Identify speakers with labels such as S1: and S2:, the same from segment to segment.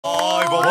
S1: Vay baba.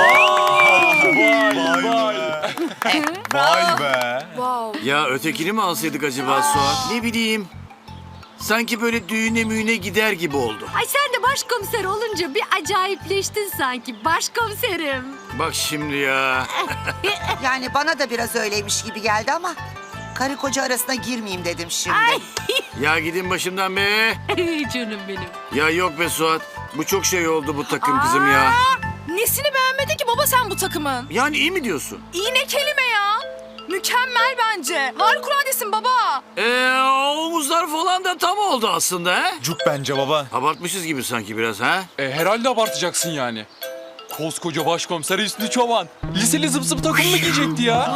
S1: Vay be.
S2: Ya ötekini mi alsaydık acaba Suat? Ne bileyim. Sanki böyle düğüne müğüne gider gibi oldu.
S3: Ay sen de başkomiser olunca bir acayipleştin sanki başkomiserim.
S2: Bak şimdi ya.
S4: Yani bana da biraz öyleymiş gibi geldi ama karı koca arasına girmeyeyim dedim şimdi.
S2: Ya gidin başımdan be.
S3: Canım benim.
S2: Ya yok be Suat. Bu çok şey oldu bu takım kızım ya.
S5: Nesini beğenmedin ki baba sen bu takımın?
S2: Yani iyi mi diyorsun?
S5: İyi ne kelime ya. Mükemmel bence. Harikuladesin baba.
S2: Omuzlar falan da tam oldu aslında ha?
S1: Cuk bence baba.
S2: Abartmışız gibi sanki biraz ha?
S6: Herhalde abartacaksın yani. Koskoca başkomiser Hüsnü Çoban. Liseli zıp zıp takım mı giyecekti ya?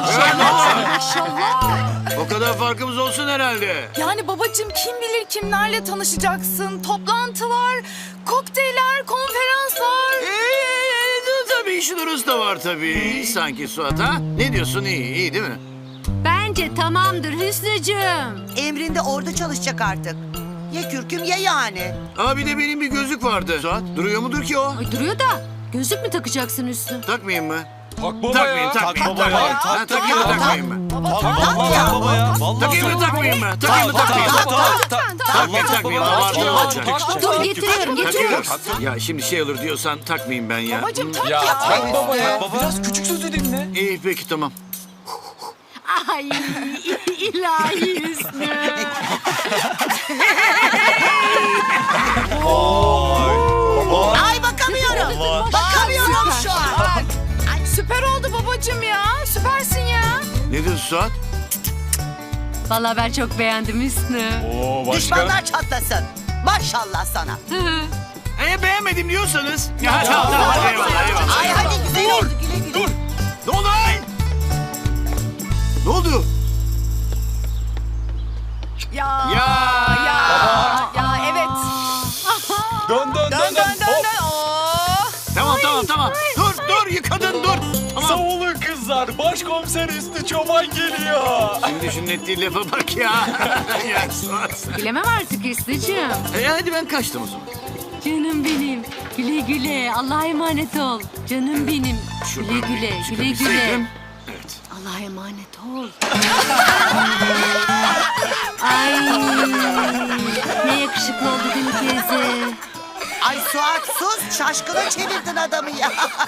S2: O kadar farkımız olsun herhalde.
S5: Yani babacığım kim bilir kimlerle tanışacaksın. Toplantılar, kokteyller, konferanslar.
S2: Tabii işin orası da var tabii. Sanki Suat ha? Ne diyorsun iyi değil mi?
S3: Bence tamamdır Hüsnücüğüm.
S4: Emrinde orada çalışacak artık. Ya kürküm ya yani.
S2: Aa bir de benim bir gözlük vardı. Suat duruyor mudur ki o?
S3: Ay duruyor da gözlük mü takacaksın Hüsnü?
S2: Takmayayım mı?
S6: Tak baba
S2: Takmayayım,
S6: ya.
S2: takmayayım.
S1: baba ya.
S2: Ha, takayım mı, takmayayım mı?
S1: Baba ya. Vallahi
S2: Takayım mı, takmayayım mı? Takayım mı, takmayayım mı? Takmayayım, takmayayım. Abartı olacak.
S3: Dur getiriyorum getiriyorum.
S2: Takıyorum. Ya şimdi şey olur diyorsan takmayayım ben ya.
S5: Babacığım tak
S6: Ya
S5: ya.
S6: tak baba ya.
S1: Baba.
S6: Biraz küçük sözü dinle.
S2: İyi peki tamam.
S3: Ay ilahi Hüsnü.
S4: Ay bakamıyorum.
S1: Baba.
S4: Bakamıyorum şu an.
S5: Süper oldu babacığım ya. Süpersin ya.
S2: Ne diyorsun Suat?
S3: Vallahi ben çok beğendim Hüsnü.
S6: Oo başka.
S4: Düşmanlar çatlasın. Maşallah sana.
S2: Beğenmedim diyorsanız. Ya tamam tamam eyvallah eyvallah.
S4: Ay hadi güzel oldu güle güle.
S2: Ne oldu ay? Ne oldu?
S5: Ya.
S2: Ya.
S5: Ya evet.
S6: Dön dön dön
S5: Dön dön
S6: dön.
S5: dön
S6: Hop.
S5: dön. Oo.
S2: Tamam. Dur yıkadın dur. Tamam.
S6: Savunun kızlar. Başkomiser Hüsnü Çoban geliyor.
S2: Şimdi şunun ettiği lafa bak ya. Ya Suat.
S3: Bilemem artık Hüsnücüğüm.
S2: Hadi ben kaçtım o zaman.
S3: Canım benim. Güle güle. Allah'a emanet ol. Canım benim. Güle güle. Güle güle.
S2: Çıkabilseydim. Evet.
S3: Allah'a emanet ol. Ay ne yakışıklı oldu değil mi teyze?
S4: Ay Suat sus. Şaşkına çevirdin adamı ya.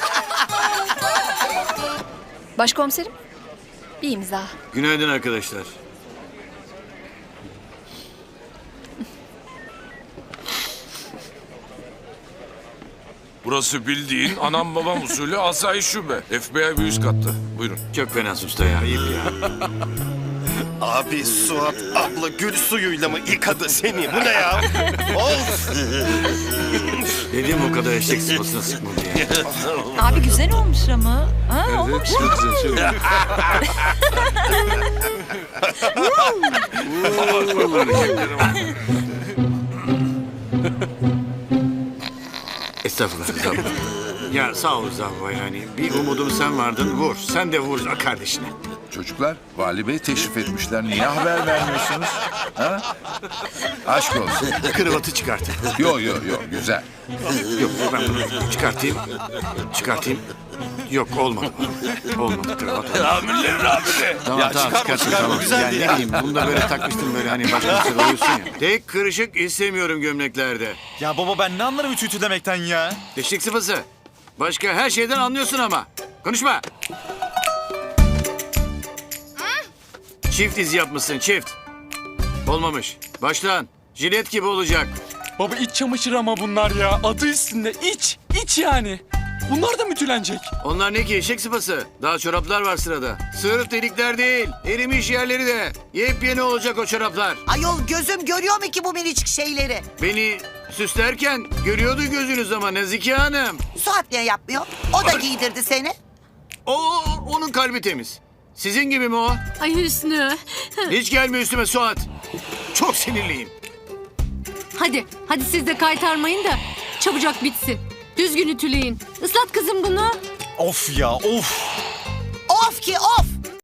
S7: Başkomiserim, bir imza.
S2: Günaydın arkadaşlar.
S8: Burası bildiğin anam babam usulü asayiş şube. FBI bir üst katta. Buyurun.
S2: Çok fena usta ya. Ayıp ya.
S9: Abi Suat abla gül suyuyla mı yıkadı seni? Bu ne ya? Of!
S2: Dedim o kadar eşek sıpasına sıkma diye.
S7: Abi güzel olmuş ama. Ha, olmamış mı?
S2: Estağfurullah. Ya sağ ol Zavva yani. Bir umudum sen vardın vur. Sen de vur kardeşine.
S10: Çocuklar, Vali Bey teşrif etmişler. Niye haber vermiyorsunuz? Ha? Aşk olsun.
S2: Kravatı çıkartın.
S10: Yo, güzel.
S2: Yok ben bunu çıkartayım. Yok olmadı. Olmadı kravat.
S8: Amirlerin amiri.
S2: Tamam çıkartın.
S9: güzeldi
S2: Yani
S9: ya.
S2: ne bileyim bunu da böyle takmıştım böyle hani başka bir şey oluyorsun ya. Tek kırışık istemiyorum gömleklerde.
S1: Ya baba ben ne anlarım ütü demekten ya.
S2: Teşvik sıfası. Başka her şeyden anlıyorsun ama. Konuşma. Çift iz yapmışsın çift. Olmamış. Baştan. Jilet gibi olacak.
S6: Baba iç çamaşırı ama bunlar ya. Adı üstünde iç. İç yani. Bunlar da mütülenecek.
S2: Onlar ne ki eşek sıpası? Daha çoraplar var sırada. Sırf delikler değil. Erimiş yerleri de. Yepyeni olacak o çoraplar.
S4: Ayol gözüm görüyor mu ki bu minicik şeyleri?
S2: Beni süslerken görüyordu gözünüz ama Nazike Hanım.
S4: Suat niye yapmıyor? O da giydirdi seni.
S2: Onun kalbi temiz. Sizin gibi mi o?
S3: Ay Hüsnü.
S2: Hiç gelme üstüme Suat. Çok sinirliyim.
S3: Hadi siz de kaytarmayın da çabucak bitsin. Düzgün ütüleyin. Islat kızım bunu.
S1: Of ya of.
S4: Of ki of.